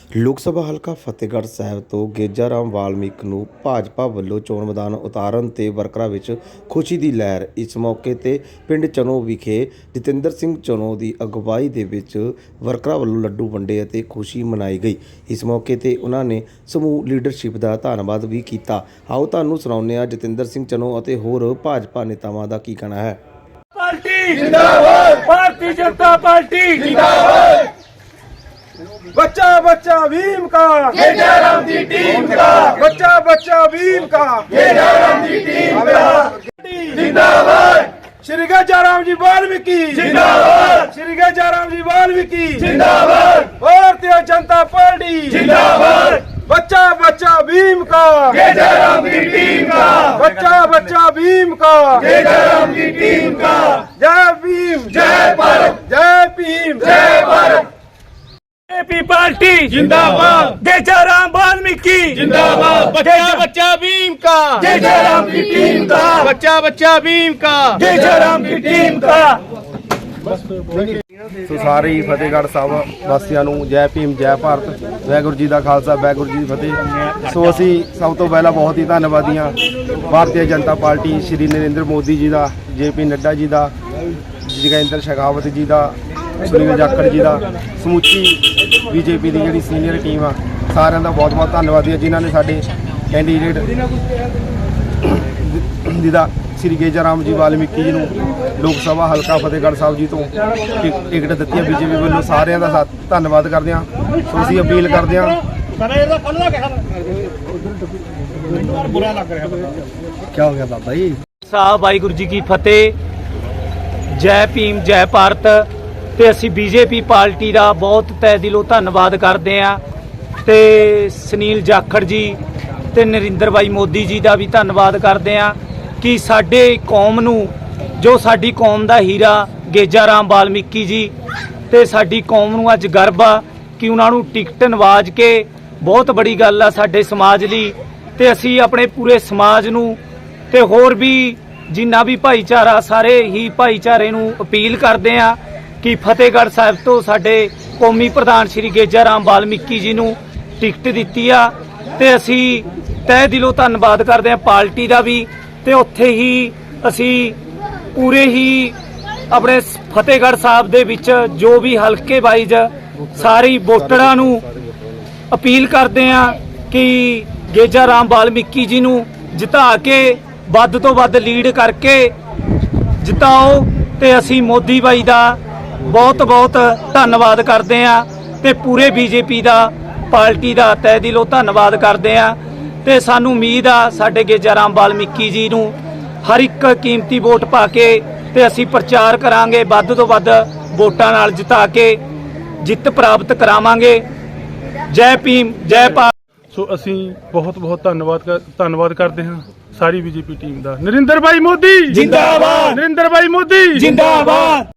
ਲੋਕ ਸਭਾ ਹਲਕਾ ਫਤਿਹਗੜ੍ਹ ਸਾਹਿਬ ਤੋਂ ਗੇਜਾ ਰਾਮ ਵਾਲਮੀਕ ਨੂੰ ਭਾਜਪਾ ਵੱਲੋਂ ਚੋਣ ਮੈਦਾਨ ਉਤਾਰਨ ਤੇ ਵਰਕਰਾਂ ਵਿੱਚ ਖੁਸ਼ੀ ਦੀ ਲਹਿਰ। ਇਸ ਮੌਕੇ ਤੇ ਪਿੰਡ ਚਨੋ ਵਿਖੇ ਜਤਿੰਦਰ ਸਿੰਘ ਚਨੋ ਦੀ ਅਗਵਾਈ ਦੇ ਵਿੱਚ ਵਰਕਰਾਂ ਵੱਲੋਂ ਲੱਡੂ ਵੰਡੇ ਅਤੇ ਖੁਸ਼ੀ ਮਨਾਈ ਗਈ। ਇਸ ਮੌਕੇ ਤੇ ਉਹਨਾਂ ਨੇ ਸਮੂਹ ਲੀਡਰਸ਼ਿਪ ਦਾ ਧੰਨਵਾਦ ਵੀ ਕੀਤਾ। ਆਓ ਤੁਹਾਨੂੰ ਸੁਣਾਉਂਦੇ ਹਾਂ ਜਤਿੰਦਰ ਸਿੰਘ ਚਨੋ ਅਤੇ ਹੋਰ ਭਾਜਪਾ ਨੇਤਾਵਾਂ ਦਾ ਕੀ ਕਹਿਣਾ ਹੈ। पार्टी जिंदाबाद, भारतीय जनता पार्टी जिंदाबाद। बच्चा बच्चा भीम का, गेजा राम की टीम का, बच्चा बच्चा भीम का, गेजा राम की टीम का जिंदाबाद। श्री गेजा राम जी वाल्मीकि जिंदाबाद, श्री गेजा राम जी वाल्मीकि जिंदाबाद, भारतीय जनता पार्टी जिंदाबाद। बच्चा बच्चा भीम का, गेजा राम की टीम का, बच्चा बच्चा भीम का, गेजा राम की टीम का। जय भीम जय भारत, जय भीम जय भारत। बीजेपी पार्टी जिंदाबाद, गेजा राम वाल्मीकि जिंदाबाद, बच्चा बच्चा भीम का, गेजा राम की टीम का, बच्चा बच्चा भीम का, गेजा राम की टीम का। ਸੋ ਸਾਰੇ ਹੀ ਫਤਿਹਗੜ੍ਹ ਸਾਹਿਬ ਵਾਸੀਆਂ ਨੂੰ ਜੈ ਭੀਮ ਜੈ ਭਾਰਤ, ਵਾਹਿਗੁਰੂ ਜੀ ਦਾ ਖਾਲਸਾ ਵਾਹਿਗੁਰੂ ਜੀ ਦੀ ਫਤਿਹ। ਸੋ ਅਸੀਂ ਸਭ ਤੋਂ ਪਹਿਲਾਂ ਬਹੁਤ ਹੀ ਧੰਨਵਾਦੀ ਹਾਂ ਭਾਰਤੀ ਜਨਤਾ ਪਾਰਟੀ ਸ਼੍ਰੀ ਨਰਿੰਦਰ ਮੋਦੀ ਜੀ ਦਾ, JP ਨੱਡਾ ਜੀ ਦਾ, ਜਗਿੰਦਰ ਸ਼ੇਖਾਵਤ ਜੀ ਦਾ, ਸੁਨੀਲ ਜਾਖੜ ਜੀ ਦਾ, ਸਮੁੱਚੀ BJP ਦੀ ਜਿਹੜੀ ਸੀਨੀਅਰ ਟੀਮ ਆ, ਸਾਰਿਆਂ ਦਾ ਬਹੁਤ ਬਹੁਤ ਧੰਨਵਾਦੀ ਹੈ ਜਿਨ੍ਹਾਂ ਨੇ ਸਾਡੇ ਕੈਂਡੀਡੇਟ ਜਿਹਦਾ श्री गेजा राम जी वाल्मीकि जी लोक सभा हल्का फतेहगढ़ साहब जी तो टिकट दी है। BJP वालों सारे का धन्यवाद करते हैं। सो असीं अपील करते हैं। क्या हो गया बाबा जी साहब, वाहिगुरू जी की फतेह, जय भीम जय भारत। ते असीं BJP पार्टी का बहुत तय दिलों धन्नवाद करते हैं ते सुनील जाखड़ जी ते नरिंਦਰ भाई मोदी जी का भी धन्नवाद करते हैं कि साडे कौम नू जो साडी कौम दा हीरा गेजा राम वाल्मीकि जी ते साडी कौम नू अज गर्व आ कि उन्हां नू टिकट नवाज के बहुत बड़ी गल आ साडे समाज लई। ते असीं अपने पूरे समाज नू ते होर भी जिन्ना भी भाईचारा सारे ही भाईचारे नू अपील करदे आ कि फतेहगढ़ साहिब तो साडे कौमी प्रधान श्री गेजा राम वाल्मीकि जी नू टिकट दित्ती आ ते असीं तह दिलों धन्नवाद करदे आ पार्टी दा भी। ते उत्थे ही असी पूरे ही अपने फतेहगढ़ साहब दे विच जो भी हल्के वाइज सारी वोटरां नू अपील करते हैं कि गेजा राम वाल्मीकि जी नू जिता के वध तो वध लीड करके जिताओ। ते असी मोदी भाई दा बहुत बहुत धन्नवाद करते हैं ते पूरे BJP दा पार्टी दा तय दिलों धन्नवाद करते हैं। ते सानू उम्मीद आ साडे गेजा राम वाल्मीकि जी नू हर एक कीमती वोट पा के ते असी प्रचार करांगे, वध तो वध वोटां नाल जिता के जित प्राप्त करावांगे। जय भीम जय भारत। सो असी बहुत बहुत धन्नवाद करते हैं सारी BJP टीम का। नरिंਦਰ भाई मोदी जिंदाबाद, नरिंਦਰ भाई मोदी जिंदाबाद।